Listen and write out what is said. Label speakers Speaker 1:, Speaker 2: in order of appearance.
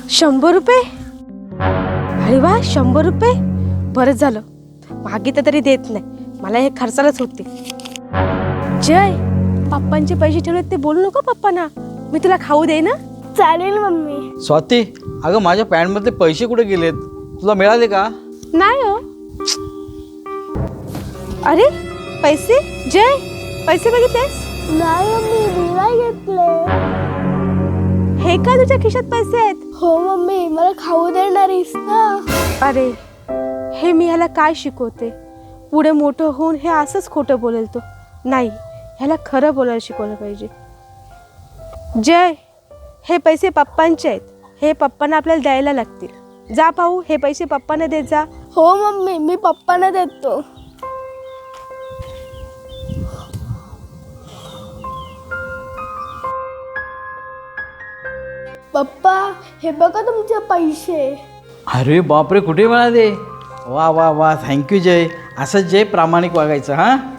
Speaker 1: 100 रुपये? अरे वा, 100 रुपये बरंच झालं. मागितलं तरी देत नाही, मला हे खर्चालाच होते. जय, पप्पांचे पैसे ठेवलेत ते बोलू नको पप्पांना. मी तुला खाऊ दे ना.
Speaker 2: चालेल मम्मी.
Speaker 3: स्वाती, अगं माझ्या पॅन्टमधले पैसे कुठे गेलेत? तुला मिळाले का?
Speaker 1: नाही हो. अरे पैसे, जय पैसे बघितलेस?
Speaker 2: नाही मम्मी, मी नाही घेतले.
Speaker 1: हे का तुझ्या खिशात पैसे आहेत?
Speaker 2: हो मम्मी, मला खाऊ देणारीस ना?
Speaker 1: अरे हे मी ह्याला काय शिकवते? पुढे मोठं होऊन हे असंच खोटं बोलेल तो. नाही, ह्याला खरं बोलायला शिकवलं पाहिजे. जय, हे पैसे पप्पांचे आहेत. हे पप्पांना आपल्याला द्यायला लागतील. जा पाहू, हे पैसे पप्पांना देत जा.
Speaker 2: हो मम्मी, मी पप्पांना देतो. पप्पा, हे बघा तुमचे पैसे.
Speaker 3: अरे बापरे, कुठे मिळाले? वा वा वा, थँक्यू जय. असंच जय प्रामाणिक वागायचं हां.